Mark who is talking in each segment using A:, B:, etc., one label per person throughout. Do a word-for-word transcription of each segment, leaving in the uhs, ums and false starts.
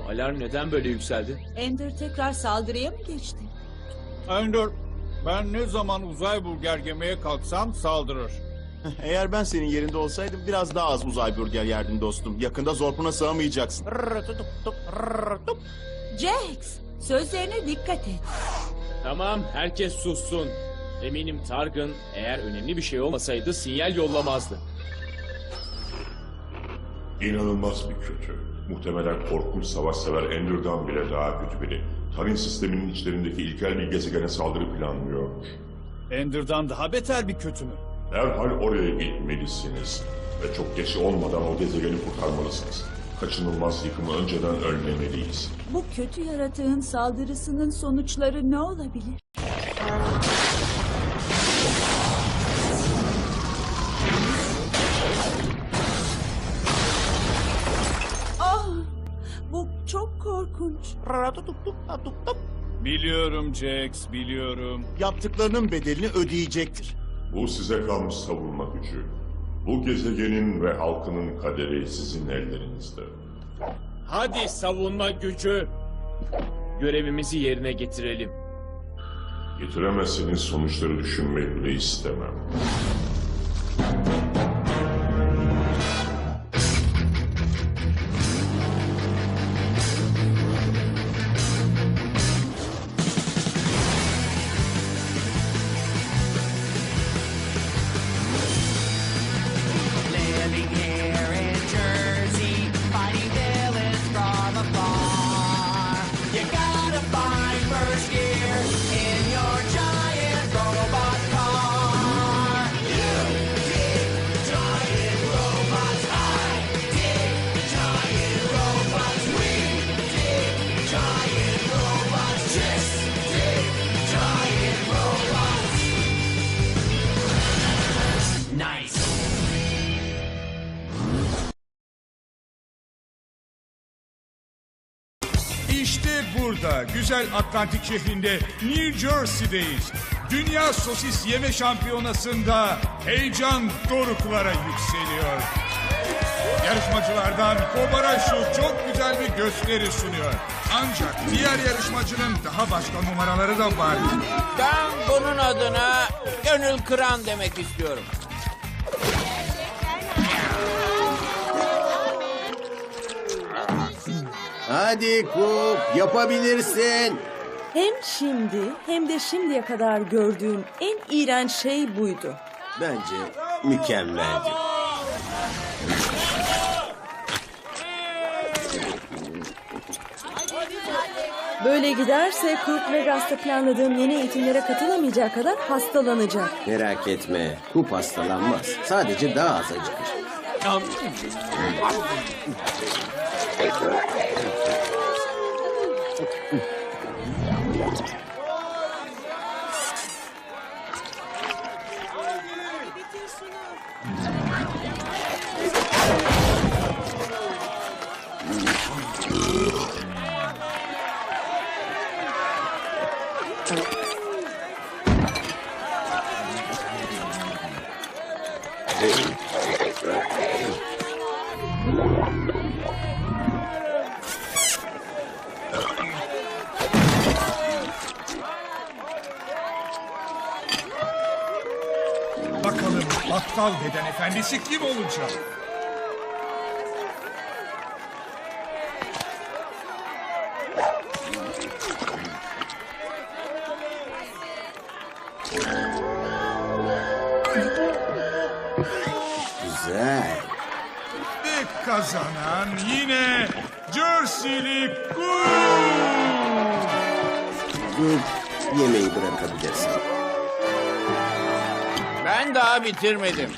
A: Alarm neden böyle yükseldi?
B: Ender tekrar saldırıya mı geçti?
C: Ender, ben ne zaman uzay burger yemeye kalksam saldırır.
D: Eğer ben senin yerinde olsaydım biraz daha az uzay burger yerdim dostum. Yakında zorpuna sığamayacaksın.
B: Jax, sözlerine dikkat et.
A: Tamam, herkes sussun. Eminim Targun eğer önemli bir şey olmasaydı sinyal yollamazdı.
E: İnanılmaz bir kötü. Muhtemelen korkunç savaşsever Ender'dan bile daha kötü biri. Tarin sisteminin içlerindeki ilkel bir gezegene saldırı planlıyormuş.
C: Ender'dan daha beter bir kötü mü?
E: Derhal oraya gitmelisiniz. Ve çok geç olmadan o gezegeni kurtarmalısınız. Kaçınılmaz yıkımı önceden önlemeliyiz.
B: Bu kötü yaratığın saldırısının sonuçları ne olabilir? Ah, bu çok korkunç.
C: Biliyorum Jax, biliyorum.
D: Yaptıklarının bedelini ödeyecektir.
E: Bu size kalmış savunma gücü. Bu gezegenin ve halkının kaderi sizin ellerinizde.
A: Hadi savunma gücü. Görevimizi yerine getirelim.
E: Getiremezseniz sonuçları düşünmeyi bile istemem.
F: Living here in Jersey, fighting villains from afar. You gotta find first gear in your giant robot car. You dig giant robots, I dig giant robots, we dig giant robots, just dig giant robots. Nice.
G: İşte burada, güzel Atlantik şehrinde, New Jersey'deyiz. Dünya Sosis Yeme Şampiyonası'nda heyecan doruklara yükseliyor. Yarışmacılardan Kobaraşu çok güzel bir gösteri sunuyor. Ancak diğer yarışmacının daha başka numaraları da var.
H: Ben bunun adına gönül kıran demek istiyorum.
I: Hadi Kup, yapabilirsin.
J: Hem şimdi hem de şimdiye kadar gördüğüm en iğrenç şey buydu.
I: Bence mükemmeldi.
J: Böyle giderse Kurt Vegas'ta planladığım yeni eğitimlere katılamayacak kadar hastalanacak.
I: Merak etme, Kup hastalanmaz. Sadece daha az acıkır.
G: Bakalım aptal beden efendisi kim olacak?
I: Güzel.
G: Ve kazanan yine Jersey'li Kup.
I: Kup, yemeği bırakabilirsin.
H: Ben daha bitirmedim.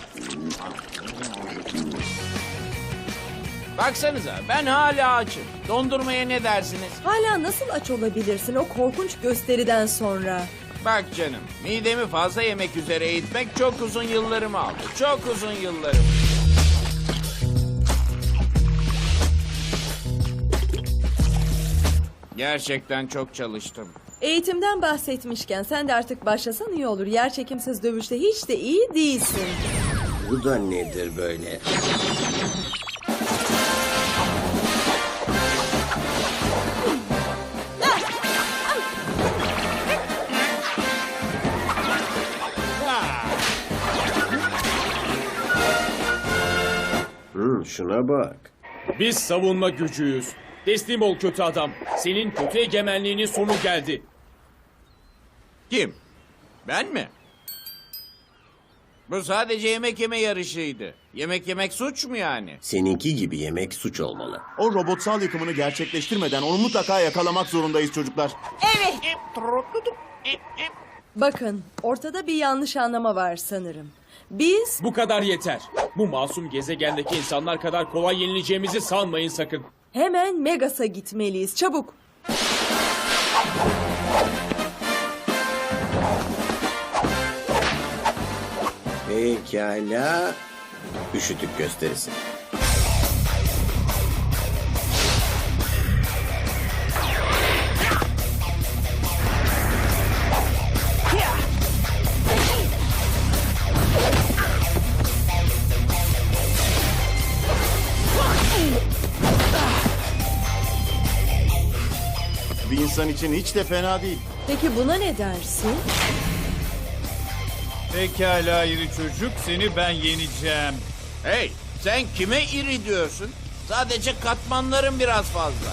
H: Baksanıza ben hala açım. Dondurmaya ne dersiniz?
J: Hala nasıl aç olabilirsin o korkunç gösteriden sonra?
H: Bak canım, midemi fazla yemek üzere eğitmek çok uzun yıllarımı aldı. Çok uzun yıllarım. Gerçekten çok çalıştım.
J: Eğitimden bahsetmişken sen de artık başlasan iyi olur. Yerçekimsiz dövüşte hiç de iyi değilsin.
I: Bu da nedir böyle? Hmm, şuna bak.
A: Biz savunma gücüyüz. Teslim ol kötü adam. Senin kötü egemenliğinin sonu geldi.
H: Kim? Ben mi? Bu sadece yemek yeme yarışıydı. Yemek yemek suç mu yani?
I: Seninki gibi yemek suç olmalı.
D: O robotsal yıkımını gerçekleştirmeden onu mutlaka yakalamak zorundayız çocuklar.
J: Bakın, ortada bir yanlış anlama var sanırım. Biz
A: Bu kadar yeter. Bu masum gezegendeki insanlar kadar kolay yenileceğimizi sanmayın sakın.
J: hemen Megas'a gitmeliyiz. Çabuk.
I: Pekala. Üşütük gösterisi.
D: Bir insan için hiç de fena değil.
J: Peki buna ne dersin?
C: Pekala iri çocuk, seni ben yeneceğim.
H: Hey, sen kime iri diyorsun? Sadece katmanların biraz fazla.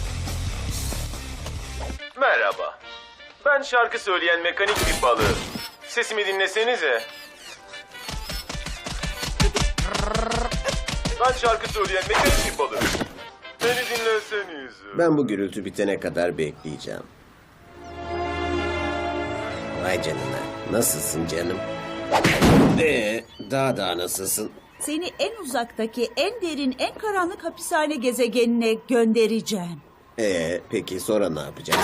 K: Merhaba. Ben şarkı söyleyen mekanik bir balığım. Sesimi dinlesenize. Ben şarkı söyleyen mekanik bir balığım. Beni dinleseniz.
I: Ben bu gürültü bitene kadar bekleyeceğim. Vay canına. Nasılsın canım? Ee, daha daha nasılsın?
B: Seni en uzaktaki, en derin, en karanlık hapishane gezegenine göndereceğim.
I: Ee, peki sonra ne yapacağız?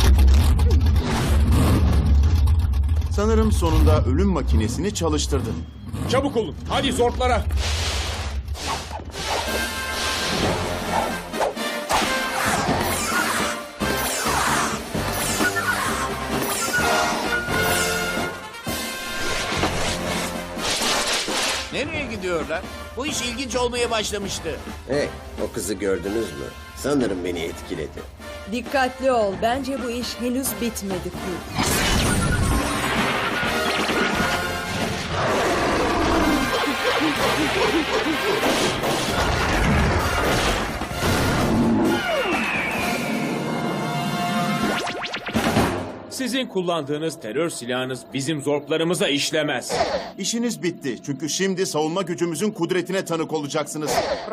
D: Sanırım sonunda ölüm makinesini çalıştırdın.
A: Çabuk olun. Hadi zortlara.
H: Nereye gidiyorlar? Bu iş ilginç olmaya başlamıştı.
I: Hey, o kızı gördünüz mü? Sanırım beni etkiledi.
J: Dikkatli ol. Bence bu iş henüz bitmedi Kurt.
A: Sizin kullandığınız terör silahınız bizim zorplarımıza işlemez.
D: İşiniz bitti. Çünkü şimdi savunma gücümüzün kudretine tanık olacaksınız.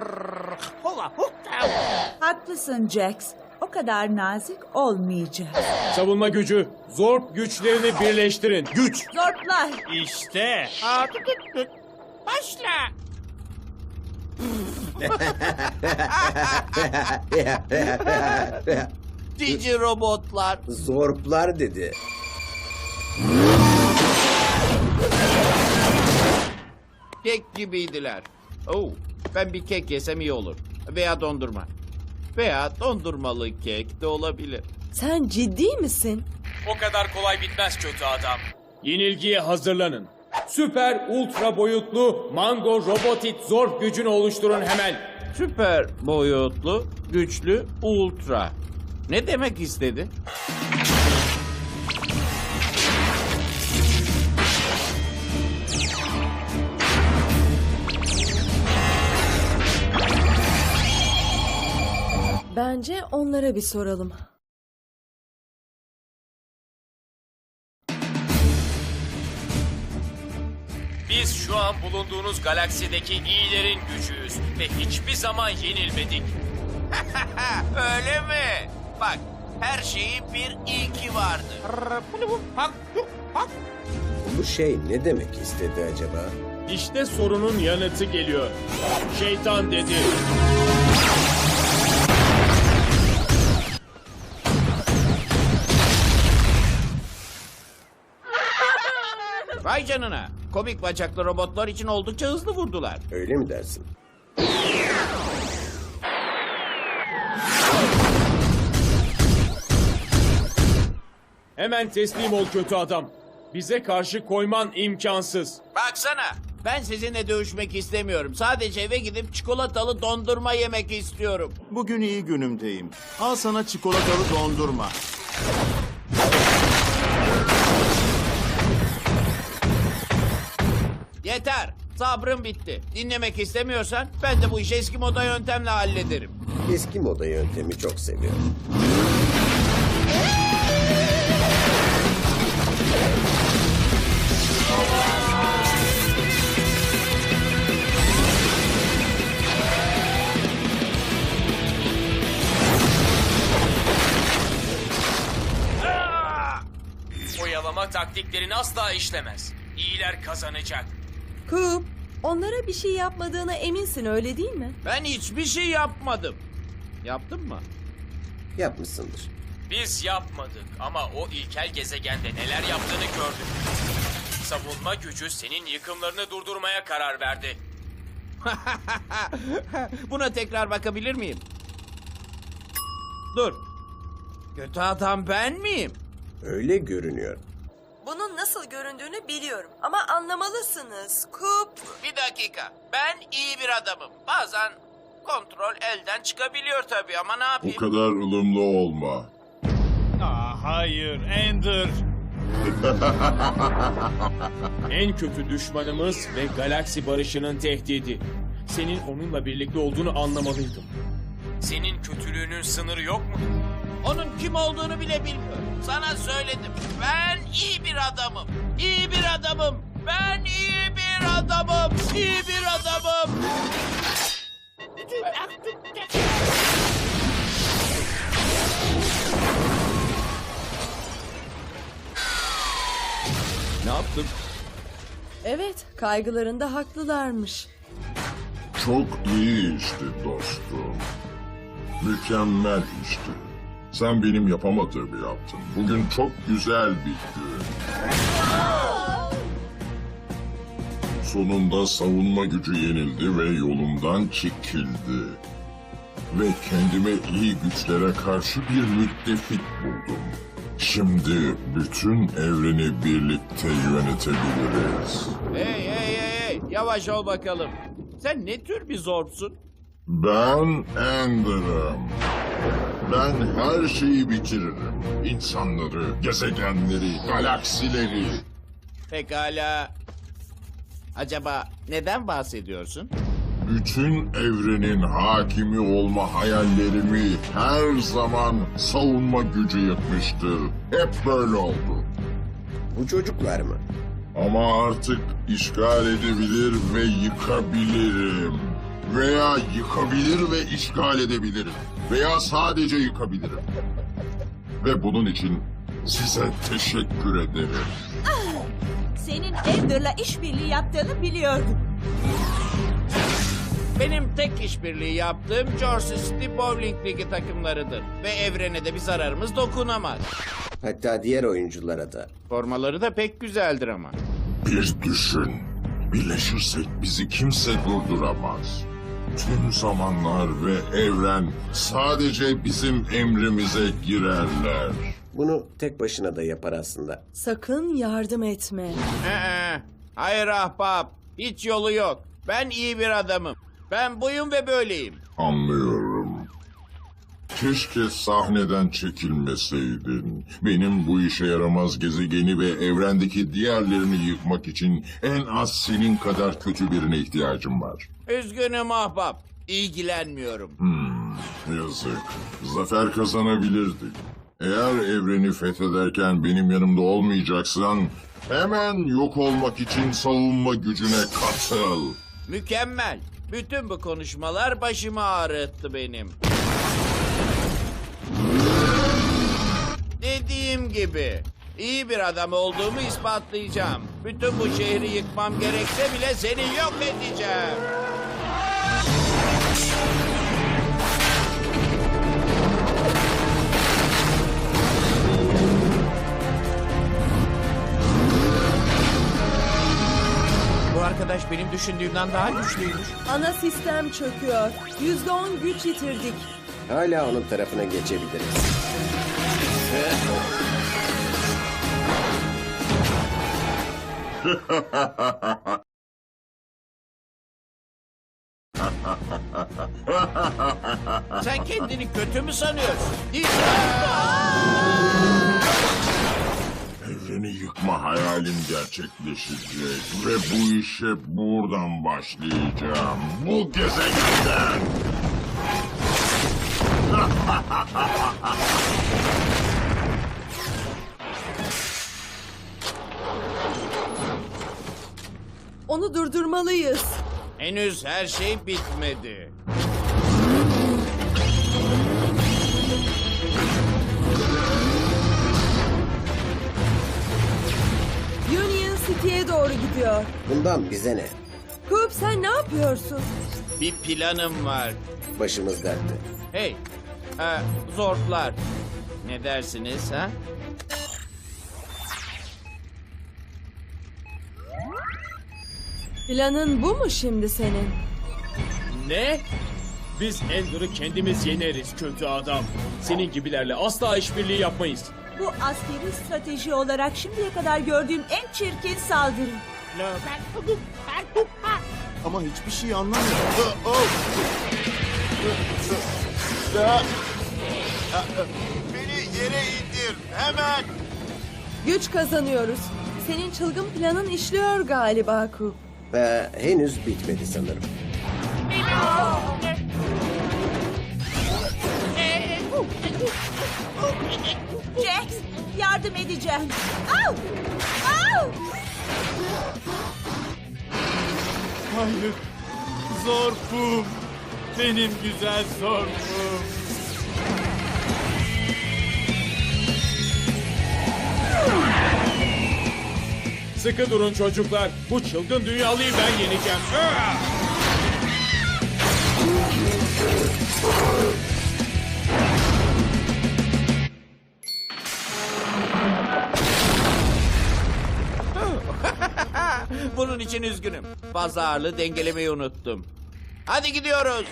B: Haklısın Jax. O kadar nazik olmayacak.
A: Savunma gücü, zorp güçlerini birleştirin.
D: Güç!
B: Zortlar.
C: İşte.
H: Başla. Cici robotlar.
I: Zorplar dedi.
H: Kek gibiydiler. Oo, ben bir kek yesem iyi olur. Veya dondurma. Veya dondurmalı kek de olabilir.
J: Sen ciddi misin?
A: O kadar kolay bitmez kötü adam. Yenilgiye hazırlanın. Süper ultra boyutlu Mango Robotit zorp gücünü oluşturun hemen.
H: Süper boyutlu, güçlü, ultra. Ne demek istedi?
J: Bence onlara bir soralım.
A: Biz şu an bulunduğunuz galaksideki iyilerin gücüyüz ve hiçbir zaman yenilmedik.
H: Öyle mi? Bak, her şeyin bir ilki vardır.
I: Bu şey ne demek istedi acaba?
A: İşte sorunun yanıtı geliyor. Şeytan dedi.
H: Vay canına. Komik bacaklı robotlar için oldukça hızlı vurdular.
I: Öyle mi dersin?
A: Hemen teslim ol kötü adam. Bize karşı koyman imkansız.
H: Baksana, ben sizinle dövüşmek istemiyorum. Sadece eve gidip çikolatalı dondurma yemek istiyorum.
D: Bugün iyi günümdeyim. Al sana çikolatalı dondurma.
H: Yeter. Sabrım bitti. Dinlemek istemiyorsan ben de bu işi eski moda yöntemle hallederim.
I: Eski moda yöntemi çok seviyorum.
A: Oyalama taktiklerin asla işlemez. İyiler kazanacak.
J: Coop, onlara bir şey yapmadığına eminsin öyle değil mi?
H: Ben hiçbir şey yapmadım. Yaptım mı?
I: Yapmışsındır.
A: Biz yapmadık ama o ilkel gezegende neler yaptığını gördük. Savunma gücü senin yıkımlarını durdurmaya karar verdi.
H: Buna tekrar bakabilir miyim? Dur. Kötü adam ben miyim?
I: Öyle görünüyor.
J: Bunun nasıl göründüğünü biliyorum ama anlamalısınız. Coop.
H: Bir dakika. Ben iyi bir adamım. Bazen kontrol elden çıkabiliyor tabii ama ne
E: Bu
H: yapayım?
E: kadar ılımlı olma.
C: Aa, hayır Ender.
A: En kötü düşmanımız ve galaksi barışının tehdidi. Senin onunla birlikte olduğunu anlamalıydım. Senin kötülüğünün sınırı yok mu?
H: Onun kim olduğunu bile bilmiyorum. Sana söyledim. Ben iyi bir adamım. İyi bir adamım. Ben iyi bir adamım. İyi bir adamım.
C: Ne yaptım?
J: Evet, kaygılarında haklılarmış.
E: Çok iyi işti dostum. Mükemmel işti. Sen benim yapamadığımı yaptın. Bugün çok güzel bir gün. Sonunda savunma gücü yenildi ve yolumdan çekildi. Ve kendime iyi güçlere karşı bir müttefik buldum. Şimdi bütün evreni birlikte yönetebiliriz.
H: Hey hey hey hey. Yavaş ol bakalım. Sen ne tür bir zorpsun?
E: Ben Ender'ım. Ben her şeyi bitiririm. İnsanları, gezegenleri, galaksileri.
H: Pekala. Acaba neden bahsediyorsun?
E: Bütün evrenin hakimi olma hayallerimi her zaman savunma gücü yıkmıştır. Hep böyle oldu.
I: Bu çocuklar mı?
E: Ama artık işgal edebilir ve yıkabilirim. Veya yıkabilir ve işgal edebilirim. Veya sadece yıkabilirim. Ve bunun için size teşekkür ederim.
B: Senin Ender'la işbirliği yaptığını biliyordum.
H: Benim tek işbirliği yaptığım Jersey City Bowling Ligi takımlarıdır. Ve evrene de bir zararımız dokunamaz.
I: Hatta diğer oyunculara da.
H: Formaları da pek güzeldir ama.
E: Bir düşün. Birleşirsek bizi kimse durduramaz. Tüm zamanlar ve evren sadece bizim emrimize girerler.
I: Bunu tek başına da yapar aslında.
J: Sakın yardım etme.
H: Ee, hayır ahbap. Hiç yolu yok. Ben iyi bir adamım. Ben buyum ve böyleyim.
E: Anlıyorum. Keşke sahneden çekilmeseydin. Benim bu işe yaramaz gezegeni ve evrendeki diğerlerini yıkmak için en az senin kadar kötü birine ihtiyacım var.
H: Üzgünüm ahbap. İlgilenmiyorum.
E: Hmm, yazık. Zafer kazanabilirdik. Eğer evreni fethederken benim yanımda olmayacaksan hemen yok olmak için savunma gücüne katıl.
H: Mükemmel. Bütün bu konuşmalar başımı ağrıttı benim. Dediğim gibi iyi bir adam olduğumu ispatlayacağım. Bütün bu şehri yıkmam gerekse bile seni yok edeceğim. Bu arkadaş benim düşündüğümden daha güçlüymüş.
J: Ana sistem çöküyor. Yüzde on güç yitirdik.
I: Hala onun tarafına geçebiliriz.
H: Sen kendini kötü mü sanıyorsun? Değil.
E: Seni yıkma hayalim gerçekleşecek ve bu işe buradan başlayacağım. Bu gezegenden.
J: Onu durdurmalıyız.
H: Henüz her şey bitmedi.
J: Union City'ye doğru gidiyor.
I: Bundan bize ne?
J: Coop sen ne yapıyorsun?
H: Bir planım var.
I: Başımız dertte.
H: Hey, e, zortlar. Ne dersiniz ha?
J: Planın bu mu şimdi senin?
A: Ne? Biz Ender'ı kendimiz yeneriz kötü adam. Senin gibilerle asla işbirliği yapmayız.
B: Bu askeri strateji olarak şimdiye kadar gördüğüm en çirkin saldırı.
D: Ama hiçbir şey anlamıyorum. Oh! Ah! Beni yere indir hemen.
J: Güç kazanıyoruz. Senin çılgın planın işliyor galiba Coop.
I: Ve henüz bitmedi sanırım.
B: Jax, yardım edeceğim. Au! Au!
C: Hayır. Zorpum. Benim güzel zorpum.
A: Sıkı durun çocuklar. Bu çılgın dünyalıyı ben yeneceğim. Ah!
H: Bunun için üzgünüm. Fazla ağırlığı dengelemeyi unuttum. Hadi gidiyoruz.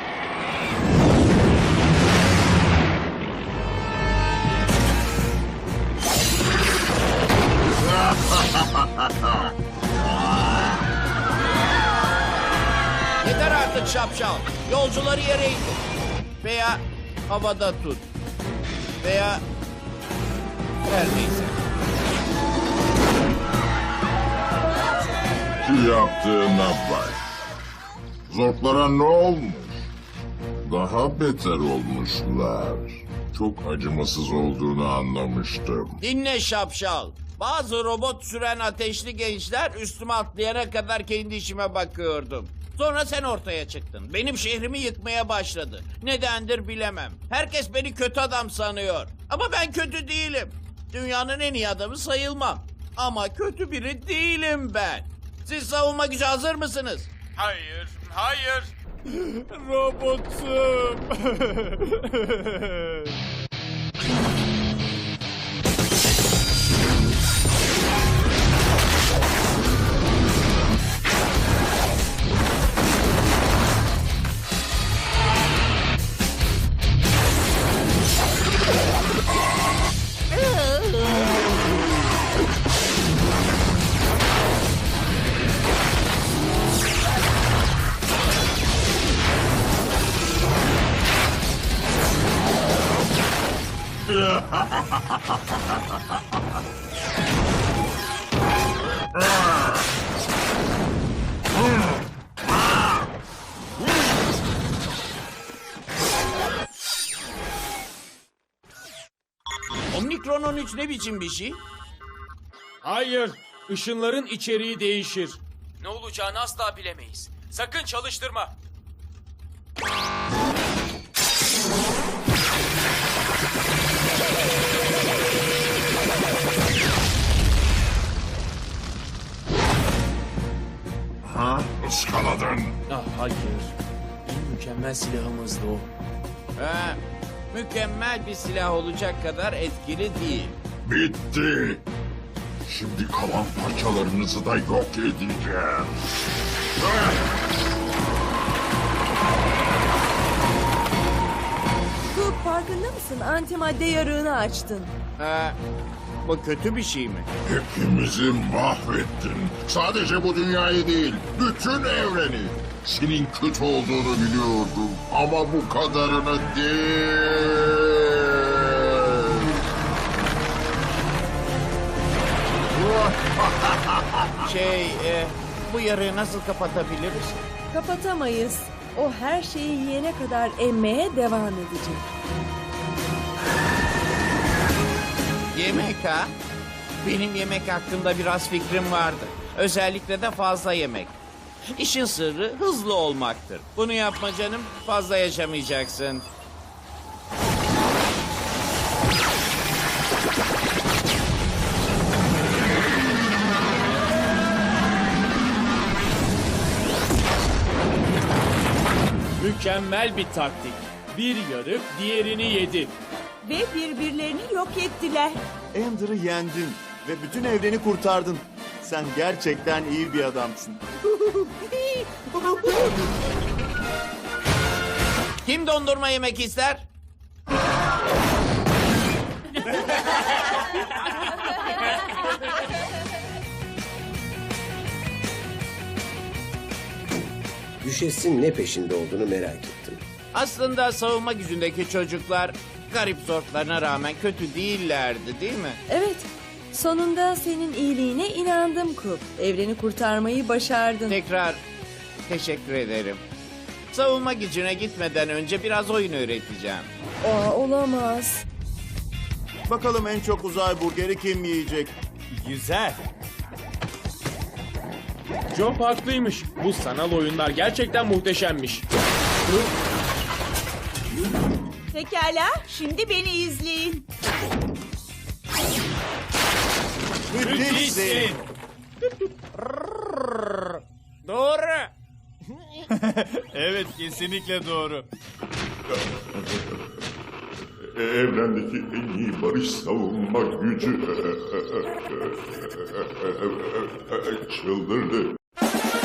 H: Yeter artık şapşal. Yolcuları yere indir. Veya havada tut. Veya her neyse.
E: Şu yaptığına bak. Zortlara ne olmuş? Daha beter olmuşlar. Çok acımasız olduğunu anlamıştım.
H: Dinle şapşal. Bazı robot süren ateşli gençler üstüme atlayana kadar kendi işime bakıyordum. Sonra sen ortaya çıktın. Benim şehrimi yıkmaya başladı. Nedendir bilemem. Herkes beni kötü adam sanıyor. Ama ben kötü değilim. Dünyanın en iyi adamı sayılmam. Ama kötü biri değilim ben. Siz savunma gücü hazır mısınız?
A: Hayır, hayır.
C: Robotum.
H: Omikron on üç ne biçim bir şey?
A: Hayır. Işınların içeriği değişir. Ne olacağını asla bilemeyiz. Sakın çalıştırma.
E: Ha? Iskaladın.
A: Ah, hayır. En mükemmel silahımızdı o.
H: Ha, mükemmel bir silah olacak kadar etkili değil.
E: Bitti. Şimdi kalan parçalarınızı da yok edeceğim.
J: Coop farkında mısın? Antimadde yarığını açtın.
H: Ha, bu kötü bir şey mi?
E: Hepimizi mahvettin. Sadece bu dünyayı değil, bütün evreni. Senin kötü olduğunu biliyordum ama bu kadarını değil.
H: Şey, e, bu yarığı nasıl kapatabiliriz?
J: Kapatamayız. O her şeyi yiyene kadar emmeye devam edecek.
H: Yemek ha? Benim yemek hakkında biraz fikrim vardı. Özellikle de fazla yemek. İşin sırrı hızlı olmaktır. Bunu yapma canım, fazla yaşamayacaksın.
A: Mükemmel bir taktik. Bir yarık diğerini yedi.
B: Ve birbirlerini yok ettiler.
D: Ender'ı yendin ve bütün evreni kurtardın. Sen gerçekten iyi bir adamsın.
H: Kim dondurma yemek ister?
I: Düşesin ne peşinde olduğunu merak ettim.
H: Aslında savunma gücündeki çocuklar garip zortlarına rağmen kötü değillerdi, değil mi?
J: Evet. Sonunda senin iyiliğine inandım Kup. Evreni kurtarmayı başardın.
H: Tekrar teşekkür ederim. Savunma gücüne gitmeden önce biraz oyun öğreteceğim.
J: Aa, olamaz.
D: Bakalım en çok uzay burgeri kim yiyecek?
A: Güzel. Job haklıymış. Bu sanal oyunlar gerçekten muhteşemmiş.
B: Pekala, şimdi beni izleyin.
D: Müthişsin.
H: Doğru.
C: Evet, kesinlikle doğru.
E: Evrendeki en iyi barış savunma gücü çıldırdı.